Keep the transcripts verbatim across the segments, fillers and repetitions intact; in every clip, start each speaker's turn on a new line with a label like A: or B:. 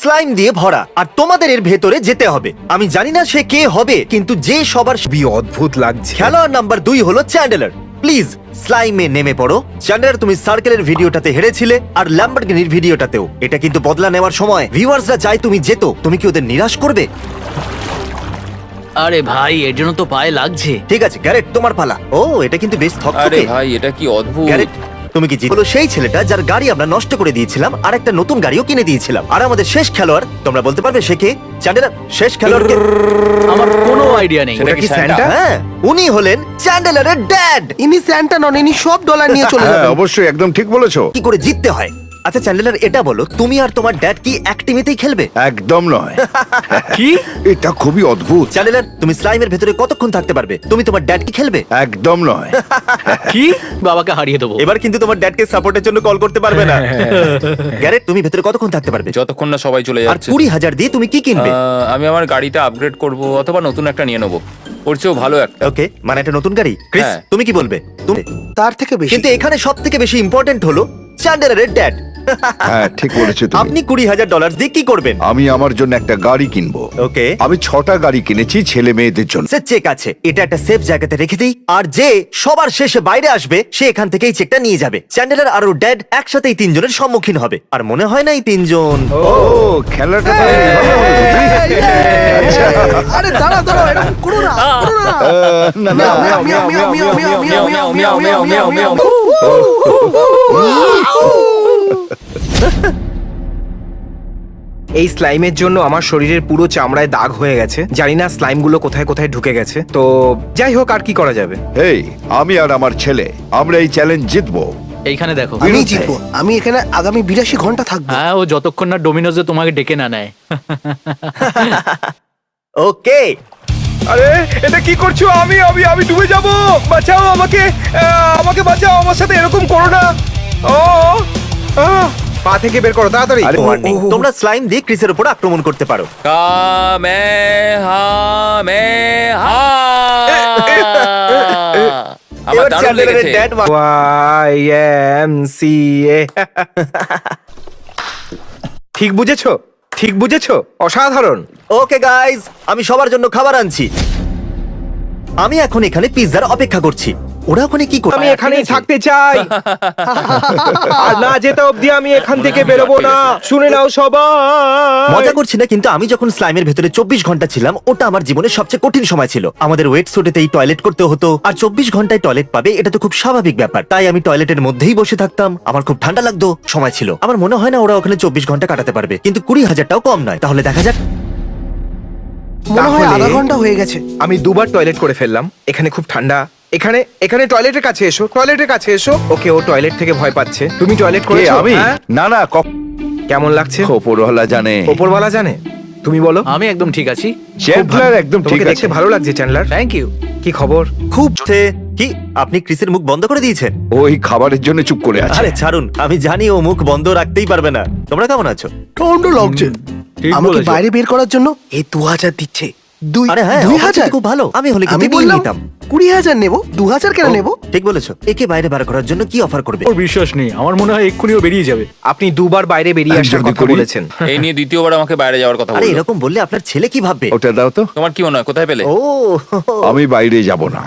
A: Slime দিয়ে ভরা আর তোমাদের এর ভেতরে যেতে হবে। আমি জানি না সে কে হবে, কিন্তু যে সবার
B: কি অদ্ভুত লাগছে।
A: খেলোয়াড় নাম্বার দুই হলো চ্যান্ডেলার। প্লিজ স্লাইমে নেমে পড়ো। চ্যান্ডেলার, তুমি সার্কেলের ভিডিওটাতে হেরেছিলে আর ল্যাম্বরগিনির ভিডিওটাতেও। এটা কিন্তু বদলা নেওয়ার সময়। ভিউয়ার্সরা চাই তুমি যেত, তুমি কি ওদের নিরাশ করবে?
C: আরে ভাই, এর জন্য তো পায়ে লাগছে।
A: ঠিক আছে গ্যারেট, তোমার পালা। ও, এটা কিন্তু বেশ
D: আরে
A: থকথকে।
D: ভাই, এটা কি অদ্ভুত।
A: গ্যারেট, তুমি কি জিত? হলো সেই ছেলেটা যার গাড়ি আমরা নষ্ট করে দিয়েছিলাম আর একটা নতুন গাড়িও কিনে দিয়েছিলাম। আর আমাদের শেষ খেলোয়াড়, তোমরা বলতে পারবে সে কে? চ্যান্ডেলার, শেষ খেলোয়াড় কে?
C: আমার কোনো আইডিয়া নেই।
D: সেটা
B: ওটা কি
D: কি
B: স্যান্টা?
D: স্যান্টা?
A: হ্যাঁ, উনি হলেন চ্যান্ডেলারের ড্যাড।
E: ইনি স্যান্টা নন, ইনি সব ডলার নিয়ে চলে
F: হ্যাঁ
E: যাবেন।
F: অবশ্যই, একদম ঠিক বলেছো।
A: কি করে জিততে হয়? আচ্ছা চ্যান্ডেলার, এটা বলো, তুমি আর তোমার ড্যাড কি এক টিমেতেই খেলবে?
F: একদম নয়।
C: কি?
F: এটা খুবই অদ্ভুত।
A: চ্যান্ডেলার, তুমি স্লাইমের ভেতরে কতক্ষণ থাকতে পারবে? তুমি তোমার ড্যাড কি খেলবে?
F: একদম নয়।
C: কি? বাবাকে হারিয়ে দেবো।
A: এবার কিন্তু তোমার ড্যাডকে সাপোর্টের জন্য কল করতে পারবে না। গ্যারেট, তুমি ভেতরে কতক্ষণ থাকতে পারবে?
D: যতক্ষণ না সবাই চলে
A: আর
D: যাচ্ছে।
A: কুড়ি হাজার দিয়ে তুমি কি কিনবে?
D: আহ, আমি আমার গাড়িটা আপগ্রেড করব অথবা নতুন একটা নিয়ে নেবো। ওর চেয়েও ভালো একটা।
A: ওকে, মানে একটা নতুন গাড়ি। ক্রিস,
D: হ্যাঁ।
A: তুমি কি বলবে? তুমি?
E: তার থেকে বেশি।
A: কিন্তু এখানে সব থেকে বেশি ইম্পর্টেন্ট হলো চ্যান্ডেলারের ড্যাড।
F: হ্যাঁ ঠিক বলেছো তুমি।
A: আপনি কুড়ি হাজার ডলার দিয়ে কি করবেন?
F: আমি আমার জন্য একটা গাড়ি কিনবো।
A: ওকে,
F: আমি ছটা গাড়ি কিনেছি ছেলে মেয়েদের জন্য।
A: সে চেক আছে, এটা একটা সেফ জায়গাতে রেখে দিই। আর যে সবার শেষে বাইরে আসবে সে এখান থেকেই চেকটা নিয়ে যাবে। চ্যান্ডেলার আর ওর ড্যাড একসাথে এই তিনজনের সম্মুখীন হবে। আর মনে হয় না এই তিনজন।
F: ও খেলাটা তাহলে এইভাবে হলো, বুঝলি? আচ্ছা।
E: আরে দাঁড়া দাঁড়া, এরকম করো না, করো না।
F: আহ, না না
E: মিয়াও, মিয়াও, মিয়াও, মিয়াও, মিয়াও, মিয়াও, মিয়াও, মিয়াও, মিয়াও, মিয়াও, মিয়াও, মিয়াও।
B: এই স্লাইমের জন্য আমার শরীরের পুরো চামড়ায় দাগ হয়ে গেছে। জানি না স্লাইম গুলো কোথায় কোথায় ঢুকে গেছে। তো যাই হোক, আর কি করা যাবে।
F: এই আমি আর আমার ছেলে আমরা এই চ্যালেঞ্জ জিতবো।
C: এইখানে দেখো।
E: আমি
F: বিরুদ্ধে।
E: জিতবো। আমি এখানে আগামী বিরাশি ঘন্টা থাকবো।
C: হ্যাঁ, ও যতক্ষণ না ডোমিনোজে তোমাকে ডেকে না নেয়।
A: ওকে,
B: আরে এটা কি করছো? আমি আমি আমি ডুবে যাব, বাঁচাও আমাকে, আহ, আমাকে বাঁচাও, আমার সাথে এরকম করো না। ও আহ, পা থেকে বের করো তাড়াতাড়ি।
F: আরে,
A: ওয়ার্নিং, তোমরা স্লাইম দিয়ে ক্রিসের উপর আক্রমণ করতে পারো।
D: কামেহামেহা। আমার
A: এবার
D: দারুণ
A: চ্যান্ডেলারের
D: লেগেছে।
A: Dad
B: Y M C A. ঠিক বুঝেছো, ঠিক বুঝেছো, অসাধারণ।
A: ওকে গাইজ, আমি সবার জন্য খাবার আনছি। আমি এখন এখানে পিৎজার অপেক্ষা করছি। ওরা ওখানে কি করে?
B: আমি এখানেই থাকতে চাই, আর না যেতে অবধি আমি এখান থেকে বেরোবো না। শুনে নাও সবাই।
A: মজা করছি না, কিন্তু আমি যখন স্লাইমের ভেতরে চব্বিশ ঘন্টা ছিলাম, ওটা আমার জীবনের সবচেয়ে কঠিন সময় ছিল। আমাদের ওয়েট সুটেতেই টয়লেট করতে হতো, আর চব্বিশ ঘন্টায় টয়লেট পাবে এটা তো খুব স্বাভাবিক ব্যাপার। তাই আমি টয়লেটের মধ্যেই বসে থাকতাম। আমার খুব ঠান্ডা লাগতো, সময় ছিল। আমার মনে হয় না ওরা ওখানে চব্বিশ ঘন্টা কাটাতে পারবে, কিন্তু কুড়ি হাজারটাও কম নয়। তাহলে দেখা যাক।
E: মনে হয়
B: তাহলে
E: আধা ঘন্টা হয়ে গেছে।
B: আমি দুবার টয়লেট করে ফেললাম। এখানে খুব ঠান্ডা। এখানে এখানে টয়লেটের কাছে এসো, টয়লেটের কাছে এসো। ওকে, ও টয়লেট থেকে ভয় পাচ্ছে। তুমি টয়লেট
F: কে
B: করেছো?
F: আমি?
B: হ্যাঁ?
F: না না,
B: কেমন লাগছে?
F: ওপরওয়ালা জানে।
B: ওপরওয়ালা জানে। তুমি বলো।
C: আমি একদম ঠিক আছি।
F: চ্যান্ডলার একদম ঠিক
B: তোমাকে দেখতে
F: আছে।
B: ভালো লাগছে চ্যান্ডলার।
C: Thank you.
B: কি খবর?
A: খুব সে- কি আপনি ক্রিসের মুখ বন্ধ করে দিয়েছেন?
F: ওই খাবারের জন্য চুপ করে আছে।
A: আরে ছাড়ুন, আমি জানি ও মুখ বন্ধ রাখতেই পারবে না। তোমরা কেমন আছো?
E: ঠান্ডা লাগছে।
C: ঠিক
E: আমাকে
C: বলেছো।
E: বাইরে বের করার জন্য এই দু হাজার দিচ্ছে। দুই
A: আরে হ্যাঁ,
E: দুই
A: অফারটা
E: হাজার
A: তো খুব ভালো। আমি হলে
E: আমি
A: কিন্তু নিয়ে
E: বললাম
A: নিতাম।
E: কুড়ি হাজার নেবো, দু হাজার কেন নেবো?
A: ঠিক বলেছো। একে বাইরে বার করার জন্য কি অফার করবে?
C: ওর বিশ্বাস নেই, আমার মনে হয় এক্ষুনি ও বেরিয়ে যাবে।
B: আপনি দুবার বাইরে বেরিয়ে আসার
F: যদি
B: কথা
F: করি?
B: বলেছেন।
D: এই নিয়ে দ্বিতীয়বার আমাকে বাইরে যাওয়ার কথা
A: আরে
D: বললো।
A: এরকম বললে আপনার ছেলে কি ভাববে?
F: ওটা দাও তো।
D: তোমার কি মনে হয় কোথায় পেলে?
A: ও,
F: আমি বাইরে যাব না।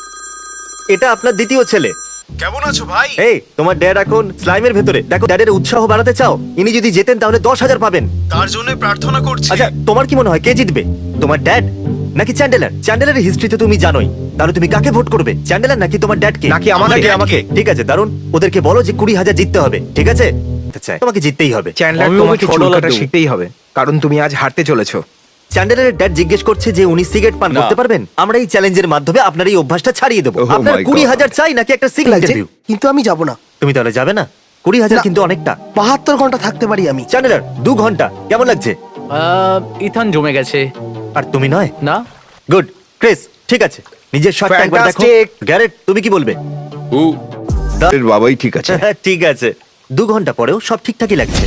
A: এটা আপনার দ্বিতীয় ছেলে।
B: কেমন আছো ভাই?
A: এই, তোমার ড্যাড এখন স্লাইমের ভেতরে। দেখো, ড্যাডের উৎসাহ বাড়াতে চাও? ইনি যদি জেতেন তাহলে দশ হাজার পাবেন।
B: তার জন্য প্রার্থনা করছি।
A: আচ্ছা, তোমার কি মনে হয় কে জিতবে? তোমার ড্যাড নাকি চ্যান্ডেলার? চ্যান্ডেলারের হিস্ট্রিতে তুমি জানোই। তাহলে তুমি কাকে ভোট করবে? চ্যান্ডেলার নাকি তোমার ড্যাডকে?
B: নাকি আমাকে?
A: নাকি আমাকে? ঠিক আছে, দারুন। ওদেরকে বলো যে কুড়ি হাজার জিততে হবে। ঠিক আছে? চাই তোমাকে জিততেই হবে।
B: চ্যান্ডলার,
C: আমি
B: তোমাকে
C: ওকে ছ
B: চুল
C: ডলার
B: কাটা
C: দেবো।
B: শিখতেই হবে, কারণ তুমি আজ হারতে চলেছো।
A: চ্যান্ডেলারের ড্যাড জিজ্ঞেস করছে যে উনি সিগারেট পান
D: না।
A: করতে পারবেন। আমরা এই চ্যালেঞ্জের মাধ্যমে আপনার এই অভ্যাসটা ছাড়িয়ে দেবো।
F: Oh
A: আপনার
F: my
A: কুড়ি
F: God.
A: হাজার চাই নাকি একটা সিগারেট
E: লাগছে,
A: রিভিউ?
E: কিন্তু আমি যাব না।
A: তুমি তাহলে যাবে না? কুড়ি হাজার
E: না।
A: কিন্তু অনেকটা।
E: বাহাত্তর ঘন্টা থাকতে পারি আমি।
A: চ্যান্ডেলার, দু ঘন্টা কেমন লাগছে?
C: আহ, ইথান জমে গেছে।
A: আর তুমি নয়?
C: না,
A: গুড। ক্রিস, ঠিক আছে, নিজের শটটা একবার দেখো।
B: Fantastic.
A: গ্যারেট, তুমি কি বলবে?
D: উ,
F: এর বাবাই ঠিক আছে।
A: ঠিক আছে, দু ঘন্টা পরেও সব ঠিকঠাকই লাগছে।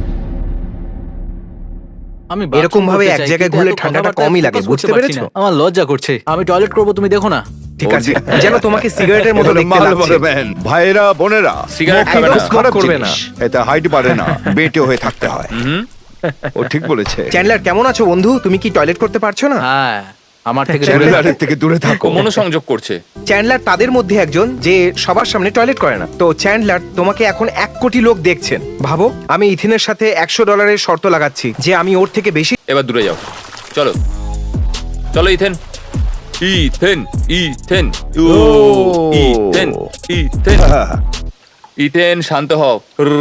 C: আমি
B: এরকম ভাবে এক জায়গায় ঘুরলে
C: কিন্তু এত
B: ঠান্ডাটা
C: কথাবার্তায়
B: কমই লাগে,
C: focus
B: বুঝতে
C: করতে পারছি
B: পেরেছো?
C: না। আমার লজ্জা করছে। আমি টয়লেট করবো, তুমি দেখো না।
B: ঠিক আছে, যেন তোমাকে সিগারেটের মতো দেখতে
F: মাল
B: লাগছে।
F: ভরবেন। ভাইরা বোনেরা,
D: সিগারেট
F: smoke
D: খাবে
F: একদম
D: না।
F: খারাপ
B: করবে
F: জিনিস।
B: না।
F: এতে হাইট পারে না, বেটে হয়ে থাকতে হয়। ও ঠিক বলেছে।
B: চ্যান্ডলার কেমন আছো বন্ধু? তুমি কি টয়লেট করতে পারছো না?
C: হ্যাঁ আমার থেকে দূরে
F: চ্যানেলারের থেকে দূরে থাকো।
D: ও মনোসংযোগ করছে।
B: চ্যান্ডলার তাদের মধ্যে একজন যে সবার সামনে টয়লেট করে না। তো চ্যান্ডলার, তোমাকে এখন এক কোটি লোক দেখছেন। ভাবো, আমি ইথিনের সাথে একশো ডলারের শর্ত লাগাচ্ছি যে আমি ওর থেকে বেশি।
D: এবার দূরে যাও, চলো চলো ইথেন, ইথেন ইথেন ও ইথেন ইথেন ইথেন শান্ত হও।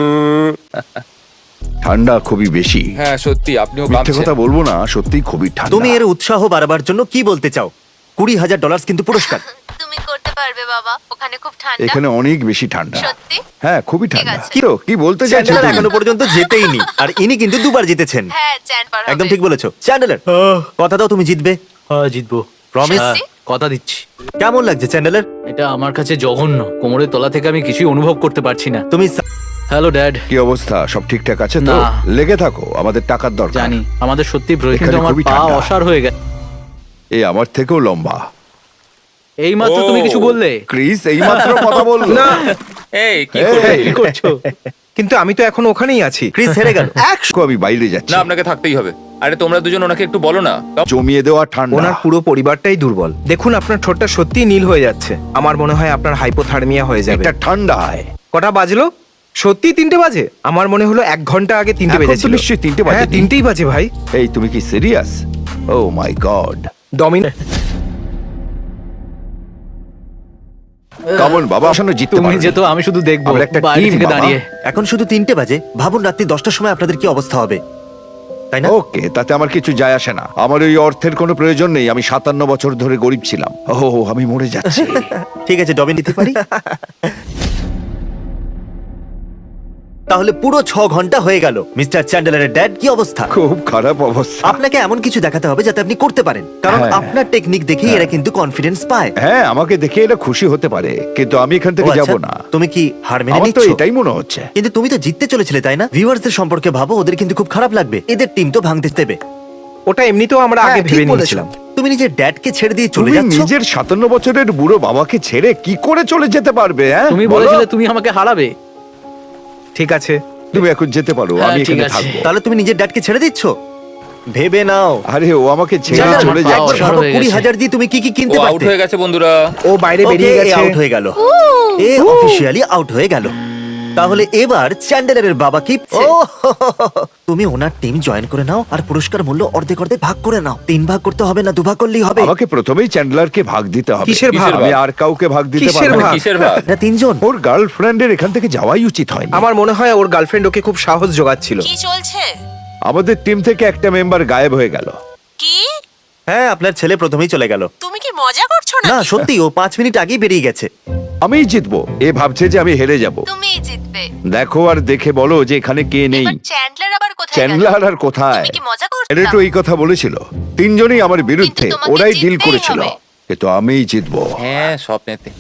F: ঠান্ডা খুবই বেশি।
D: হ্যাঁ সত্যি আপনিও
F: মিথ্যে
D: কাঁপছেন।
F: কথা বলবো না, সত্যিই খুবই ঠান্ডা।
A: তুমি এর উৎসাহ বাড়াবার জন্য কি বলতে চাও? কুড়ি হাজার ডলার কিন্তু পুরস্কার।
G: তুমি করতে পারবে বাবা, ওখানে খুব ঠান্ডা।
F: এখানে অনেক বেশি ঠান্ডা।
G: সত্যি?
F: হ্যাঁ খুবই ঠান্ডা।
G: আছে।
F: কি তো কি বলতে চাইছো
A: চ্যান্ডেলার
F: তুমি?
A: এখনো পর্যন্ত যেতেই নি, আর ইনি কিন্তু দুবার জিতেছেন।
G: হ্যাঁ চ্যান পার হবে।
A: একদম ঠিক বলেছো চ্যান্ডেলার। কথা দাও তুমি জিতবে।
C: হ্যাঁ জিতবো।
A: Promise?
C: হ্যাঁ, কথা দিচ্ছি।
A: কেমন লাগছে চ্যান্ডেলার?
C: এটা আমার কাছে জঘন্য। কোমরের তলা থেকে আমি কিছুই অনুভব করতে পারছি না।
A: তুমি
C: হ্যালো ড্যাড।
F: কি অবস্থা? সব ঠিকঠাক আছে তো?
C: না।
F: লেগে থাকো, আমাদের টাকার দরকার।
C: জানি আমাদের সত্যি প্রয়োজন,
F: এখানে
C: কিন্তু আমার
F: খুবই
C: পা
F: ঠান্ডা।
C: অসাড় হয়ে গেছে।
F: এই আমার থেকেও লম্বা।
C: এই মাত্র
D: ও।
C: তুমি কিছু বললে।
F: ক্রিস এইমাত্র কথা বললো।
B: না,
D: এই কি
F: এই,
D: করবে?
C: কি করছো?
B: কিন্তু আমি তো এখন ওখানেই আছি।
A: ক্রিস হেরে গেল।
F: একশো আমি বাইরে যাচ্ছি।
D: না আপনাকে থাকতেই হবে। আরে তোমরা দুজন ওনাকে একটু বলো না।
F: জমিয়ে দেওয়া ঠান্ডা।
B: ওনার পুরো পরিবারটাই দুর্বল। দেখুন, আপনার ঠোঁটটা সত্যিই নীল হয়ে যাচ্ছে। আমার মনে হয় আপনার হাইপোথার্মিয়া হয়ে যাবে।
F: এটা ঠান্ডায়।
B: কটা বাজলো? সত্যি তিনটে বাজে? আমার মনে হলো এক ঘন্টা আগে তিনটে
F: এখন তো
B: বেজেছিল।
F: নিশ্চয়ই তিনটে বাজে।
B: হ্যাঁ, তিনটেই বাজে ভাই।
F: এই তুমি কি সিরিয়াস? Oh my God.
B: ডমিন
F: কামন বাবা, আসলে জিততে
C: তুমি
F: পারবে।
C: যেত, আমি শুধু দেখবো
F: আমরা একটা
C: বাইরে
F: team,
C: থেকে
F: বাবা।
C: দাঁড়িয়ে।
A: এখন শুধু তিনটে বাজে, ভাবুন রাত্রি দশটার সময় আপনাদের কি অবস্থা হবে, তাই না?
F: ওকে, তাতে আমার কিছু যায় আসে না। আমার ওই অর্থের কোনো প্রয়োজন নেই। আমি সাতান্ন বছর ধরে গরিব ছিলাম। ও আমি মরে যাচ্ছি।
A: ঠিক আছে ডবিন নিতে পারি। তাহলে পুরো ছ ঘন্টা হয়ে গেল। মিস্টার চ্যান্ডেলারের ড্যাড, কি অবস্থা?
F: খুব খারাপ অবস্থা।
A: আপনাকে এমন কিছু দেখাতে হবে যাতে আপনি করতে পারেন, কারণ
F: হ্যাঁ।
A: আপনার টেকনিক দেখেই এরা কিন্তু কনফিডেন্স পায়।
F: হ্যাঁ, আমাকে দেখে এরা খুশি হতে পারে, কিন্তু আমি এখান
A: ও
F: থেকে
A: আচ্ছা,
F: যাব না।
A: তুমি কি হার মেনে
F: আমার তো
A: নিচ্ছ?
F: এটাই মনে হচ্ছে।
A: কিন্তু তুমি তো জিততে চলেছিলে, তাই না? ভিউয়ার্সদের সম্পর্কে ভাবো, ওদের কিন্তু খুব খারাপ লাগবে। এদের টিম তো ভাঙতে দেবে।
B: ওটা এমনিতেও আমরা আগে
A: হ্যাঁ, ঠিক
B: ভেবে
A: বলেছো।
B: নিয়েছিলাম।
A: তুমি নিজের ড্যাডকে ছেড়ে দিয়ে চলে
F: তুমি
A: যাচ্ছ।
F: নিজের সাতান্ন বছরের বুড়ো বাবাকে ছেড়ে কি করে চলে যেতে পারবে? হ্যাঁ
C: তুমি
F: বলো?
C: বলেছিলে তুমি আমাকে হারাবে।
B: ঠিক আছে,
F: তুমি এখন যেতে পারো,
C: হ্যাঁ,
F: আমি
C: ঠিক
F: এখানে
C: আছে।
F: থাকবো।
A: তাহলে তুমি নিজের ড্যাডকে ছেড়ে দিচ্ছ? ভেবে নাও।
F: আরে ও আমাকে ছেড়ে
C: জানো,
F: চলে
C: আমার পা
F: যাচ্ছে।
C: অসাড়
A: ভাবো,
C: হয়ে
A: কুড়ি
C: গেছে।
A: হাজার দিয়ে তুমি কি কি
D: ও
A: কিনতে
D: আউট
A: পারতে?
D: হয়ে গেছে বন্ধুরা।
B: ও বাইরে বেরিয়ে গেছে।
A: আউট হয়ে গেল। এ অফিশিয়ালি আউট হয়ে গেল। তাহলে এবার চ্যান্ডেলারের বাবা কি? ও তুমি ওনার টিম জয়েন করে নাও, আর পুরস্কার মূল্য অর্ধেক অর্ধেক ভাগ করে নাও। তিন ভাগ করতে হবে না, দু ভাগ করলেই হবে।
F: আমাকে প্রথমেই চ্যান্ডলারকে ভাগ দিতে হবে।
B: কিসের ভাগ?
F: আমি আর কাউকে ভাগ দিতে
B: কিসের
F: পারবো না।
B: ভাগ?
D: কিসের ভাগ?
A: না, তিনজন।
F: ওর গার্লফ্রেন্ডের এখান থেকে যাওয়াই উচিত হয়নি।
B: আমার মনে হয় ওর গার্লফ্রেন্ড ওকে খুব সাহস জোগাচ্ছিল।
G: কি চলছে?
F: আমাদের টিম থেকে একটা মেম্বার গায়েব হয়ে গেল।
G: কি?
A: হ্যাঁ, আপনার ছেলে প্রথমেই চলে গেল।
G: তুমি কি মজা করছো না?
A: না সত্যি, ও পাঁচ মিনিট আগেই বেরিয়ে গেছে।
F: আমিই জিতবো। এ ভাবছে যে আমি হেরে যাব।
G: তুমিই জিতবে।
F: দেখো আর দেখে বলো যে এখানে কে নেই।
G: এবার চ্যান্ডলার আবার কোথায় গেল?
F: চ্যান্ডলার আর কোথায়?
G: তুমি কি মজা করছো?
F: এরা তো এই কথা বলেছিল। তিনজনই আমার বিরুদ্ধে,
G: কিন্তু তোমাকে
F: ওরাই ডিল
G: জিততেই
F: করেছিল।
G: হবে।
F: কিন্তু আমিই জিতবো।
D: হ্যাঁ স্বপ্নেতে।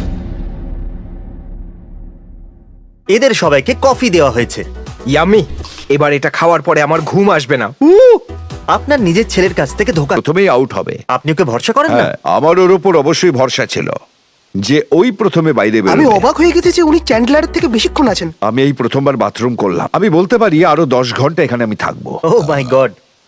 A: এদের সবাইকে কফি দেওয়া হয়েছে।
B: ইয়ামি। এবার এটা খাওয়ার পরে আমার ঘুম আসবে না।
A: আপনার নিজের ছেলের কাছ থেকে ধোকা।
F: প্রথমেই আউট হবে।
A: আপনি ওকে ভরসা করেন না?
F: হ্যাঁ, আমার ওর উপর অবশ্যই ভরসা ছিল যে ওই প্রথমে বাইরে
E: আমি
F: বেরোবে।
E: অবাক হয়ে গেছি যে উনি চ্যান্ডলারের থেকে বেশিক্ষণ আছেন।
F: আমি এই প্রথমবার বাথরুম করলাম। আমি বলতে পারি আরো দশ ঘন্টা এখানে আমি থাকবো।
A: Oh my God.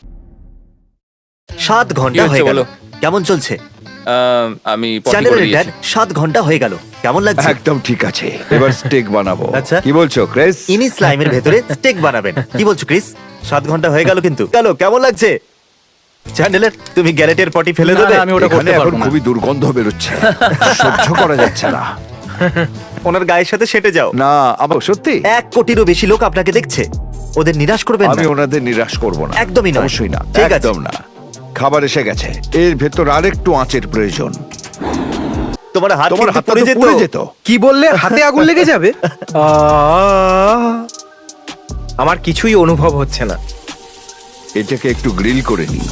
A: সাত ঘন্টা
D: হচ্ছে
A: হয়ে গেল।
D: বলো?
A: কেমন চলছে?
D: আহ, আমি পটি করে
A: চ্যান্ডেলারের ড্যাড,
D: দিয়েছি।
A: সাত ঘন্টা হয়ে গেল। কেমন লাগছে?
F: একদম ঠিক আছে। এবার স্টেক বানাবো।
A: আচ্ছা।
F: কি বলছো ক্রিস?
A: ইনি স্লাইমের ভেতরে স্টেক বানাবেন। কি বলছো ক্রিস? সাত ঘন্টা হয়ে গেল কিন্তু। গেল, কেমন লাগছে? চ্যান্ডেলার, তুমি গ্যারেটের পটি ফেলে
C: না,
A: দেবে?
C: না, আমি ওটা
F: এখানে
C: করতে
F: এখন
C: পারবো না।
F: খুবই দুর্গন্ধ বেরোচ্ছে। সহ্য করা যাচ্ছে না।
A: ওনার গায়ের সাথে সেটে যাও।
F: না, আমার সত্যি
A: এক কোটিরও বেশি লোক আপনাকে দেখছে। ওদের নিরাশ করবেন
F: আমি
A: না।
F: ওনাদের নিরাশ করব না।
A: একদমই নয়।
F: অবশ্যই না।
A: ঠিক আছে।
F: একদম না। খাবার এসে গেছে। এর ভেতর আরেকটু আঁচের প্রয়োজন।
A: তোমার হাত
F: তোমার
A: কিন্তু
F: হাতটা
A: পুড়ে
F: তো
A: যেত।
F: পুড়ে যেত।
B: কি বললে? হাতে আগুন লেগে যাবে? আহ! আমার কিছুই অনুভব হচ্ছে না।
F: এটাকে একটু গ্রিল করে নিই।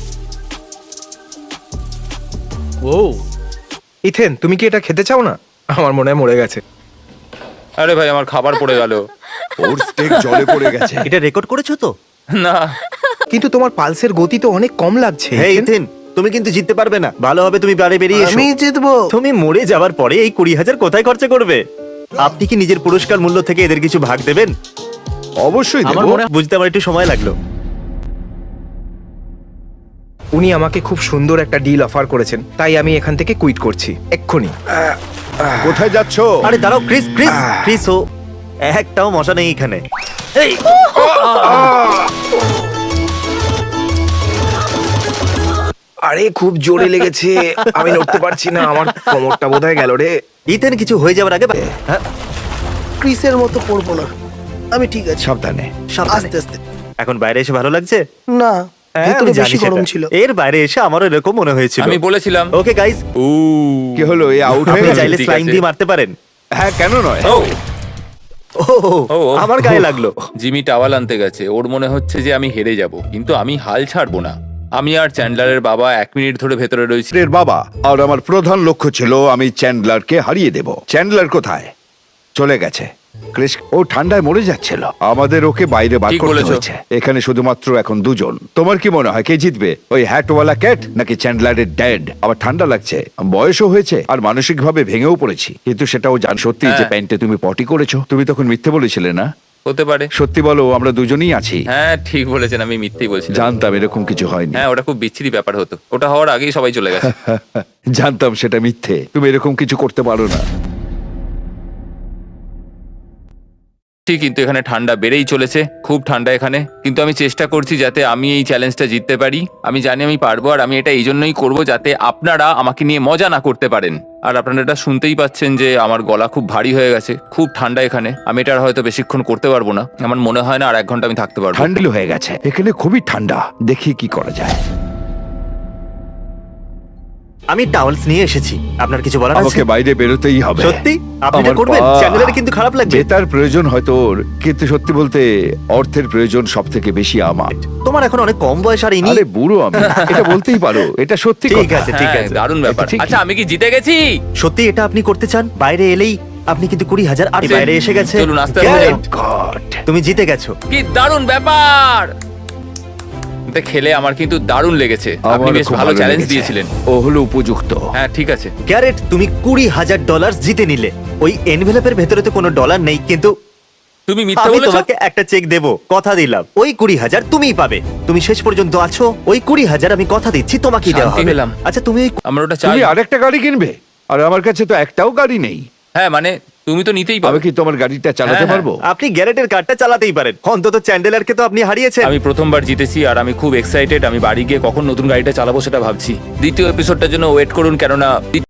C: ও
B: ইথেন, তুমি কি এটা খেতে চাও না? আমার মনে হয় মরে গেছে।
D: আরে ভাই আমার খাবার পড়ে গেল।
F: ওর স্টেক জলে পড়ে গেছে।
A: এটা রেকর্ড করেছো তো?
D: না
B: কিন্তু তোমার পালসের গতি তো অনেক কম লাগছে।
A: হে
B: ইথেন।
A: ইথেন, তুমি কিন্তু জিততে পারবে না। ভালো হবে তুমি বাড়ি বেরিয়ে এসো।
E: আমি জিতবো।
A: তুমি মরে যাওয়ার পরে এই কুড়ি হাজার কোথায় খরচা করবে? আপনি কি নিজের পুরস্কার মূল্য থেকে এদের কিছু ভাগ দেবেন?
F: অবশ্যই
C: আমার
F: দেবো।
C: মনে
A: বুঝতে আমার একটু সময় লাগলো।
B: উনি আমাকে খুব সুন্দর একটা ডিল অফার করেছেন, তাই আমি এখান থেকে কুইট করছি এক্ষুনি।
F: কোথায় যাচ্ছো?
A: আরে দাঁড়াও ক্রিস, ক্রিস, ক্রিস ও একটাও মশা নেই এখানে। এই
B: আরে খুব জোরে লেগেছে, আমি নড়তে পারছি না, আমার কোমরটা বোধহয় গেল রে।
A: ইথেন কিছু হয়ে যাওয়ার আগে হ্যাঁ,
E: ক্রিসের মতো পড়বো না, আমি ঠিক আছে।
F: সাবধানে।
A: সাবধানে।
E: আস্তে আস্তে।
A: এখন বাইরে এসে ভালো লাগছে?
E: না,
A: হ্যাঁ,
E: ভেতরে
A: আমি জানি
E: বেশি গরম
A: সেটা।
E: ছিল।
A: এর বাইরে এসে আমারও এরকম মনে হয়েছিল।
D: আমি বলেছিলাম।
A: ওকে গাইস,
D: ও
F: কি হলো, এ আউট হয়ে
A: আপনি
F: গেছে?
A: চাইলে
D: ঠিক
A: স্লাইম
D: আছে।
A: দিয়ে মারতে পারেন।
F: হ্যাঁ, কেন নয়?
D: ও
A: ও
D: ও, ও।
A: আমার গায়ে লাগলো।
D: জিমি টাওয়াল আনতে গেছে, ওর মনে হচ্ছে যে আমি হেরে যাব, কিন্তু আমি হাল ছাড়বো না। আমি আর চ্যান্ডলারের বাবা এক মিনিট ধরে ভেতরে রয়েছি।
F: এর বাবা আর আমার প্রধান লক্ষ্য ছিল আমি চ্যান্ডলারকে হারিয়ে দেব। চ্যান্ডলার কোথায়? চলে গেছে। ক্রিস ও ঠান্ডায় মরে যাচ্ছিল, আমাদের ওকে বাইরে বার
D: ঠিক
F: করতে
D: বলেছো।
F: হয়েছে। এখানে শুধুমাত্র এখন দুজন। তোমার কি মনে হয় কে জিতবে, ওই হ্যাটওয়ালা ক্যাট নাকি চ্যান্ডলারের ড্যাড? আমার ঠান্ডা লাগছে, বয়সও হয়েছে আর মানসিক ভাবে ভেঙেও পড়েছি, কিন্তু সেটাও জান সত্যি যে
D: হ্যাঁ।
F: প্যান্টে তুমি পটি করেছো। তুমি তখন মিথ্যে বলেছিলে না?
D: হতে পারে।
F: সত্যি বলো, আমরা দুজনেই আছি।
D: হ্যাঁ ঠিক বলেছেন, আমি মিথ্যেই বলছিলাম।
F: জানতাম এরকম কিছু হয়নি।
D: হ্যাঁ ওটা খুব বিচ্ছিরি ব্যাপার হতো, ওটা হওয়ার আগেই সবাই চলে গেছে।
F: জানতাম সেটা মিথ্যে, তুমি এরকম কিছু করতে পারো না।
D: ঠিক, কিন্তু এখানে ঠান্ডা বেড়েই চলেছে, খুব ঠান্ডা এখানে, কিন্তু আমি চেষ্টা করছি যাতে আমি এই চ্যালেঞ্জটা জিততে পারি। আমি জানি আমি পারবো, আর আমি এটা এই জন্যই করবো যাতে আপনারা আমাকে নিয়ে মজা না করতে পারেন। আর আপনারা এটা শুনতেই পাচ্ছেন যে আমার গলা খুব ভারী হয়ে গেছে, খুব ঠান্ডা এখানে। আমি এটা আর হয়তো বেশিক্ষণ করতে পারবো না, আমার মনে হয় না আর এক ঘন্টা আমি থাকতে পারবো।
F: ঠান্ডা হয়ে গেছে এখানে, খুবই ঠান্ডা। দেখি কি করা যায়।
A: আমি টাওয়েলস নিয়ে এসেছি, আপনার কিছু বলার
F: আমাকে
A: আছে?
F: বাইরে বেরোতেই হবে।
A: সত্যি আপনি এটা
F: আমার
A: করবেন?
F: পা-
A: চ্যানেলের কিন্তু খারাপ লাগবে।
F: জেতার প্রয়োজন হয়তো ওর, কিন্তু সত্যি বলতে অর্থের প্রয়োজন সব থেকে বেশি আমার।
A: তোমার এখন অনেক কম বয়স আর ইনি।
F: আরে বুড়ো আমি, এটা বলতেই পারো, এটা সত্যি
A: ঠিক
F: কথা।
A: আছে, ঠিক
D: হ্যাঁ,
A: আছে।
D: দারুণ ব্যাপার।
F: এটা ঠিকই।
D: আচ্ছা আমি কি জিতে গেছি?
A: সত্যি এটা আপনি করতে চান? বাইরে এলেই আপনি কিন্তু কুড়ি হাজার আর
D: আচ্ছা,
A: বাইরে এসে গেছে।
D: চলুন, আস্তে আস্তে
A: Garrett,
D: যাই।
F: God!
A: তুমি জিতে গেছো।
D: কি দারুণ ব্যাপার! এটা খেলে আমার কিন্তু দারুণ লেগেছে, আপনি
F: আমারও
D: বেশ
F: খুব
D: ভালো চ্যালেঞ্জ
F: লেগেছে।
D: দিয়েছিলেন।
F: ও হলো উপযুক্ত।
D: হ্যাঁ ঠিক আছে।
A: গ্যারেট, তুমি কুড়ি হাজার ডলার জিতে নিলে। ওই এনভেলপের ভেতরে তো কোনো ডলার নেই, কিন্তু
D: তুমি মিথ্যা
A: আমি
D: বলেছো।
A: তোমাকে একটা চেক দেব, কথা দিলাম। ওই কুড়ি হাজার তুমিই পাবে। তুমি শেষ পর্যন্ত আছো, ওই কুড়ি হাজার আমি কথা দিচ্ছি তোমাকেই দেওয়া
D: শান্তি
A: হবে।
D: পেলাম।
A: আচ্ছা তুমি ওই
D: আমার ওটা চাই।
F: তুমি আরেকটা গাড়ি কিনবে, আর আমার কাছে তো একটাও গাড়ি নেই।
D: হ্যাঁ মানে তুমি তো নিতেই
F: আমি
D: পারবে।
F: কি তোমার গাড়িটা চালাতে
D: হ্যাঁ,
F: পারবো?
A: আপনি গ্যারেটের কার্ডটা চালাতেই পারেন। অন্তত চ্যান্ডেলারকে তো আপনি হারিয়েছেন।
D: আমি প্রথমবার জিতেছি আর আমি খুব এক্সাইটেড। আমি বাড়ি গিয়ে কখন নতুন গাড়িটা চালাবো সেটা ভাবছি। দ্বিতীয় এপিসোডটার জন্য ওয়েট করুন, কেননা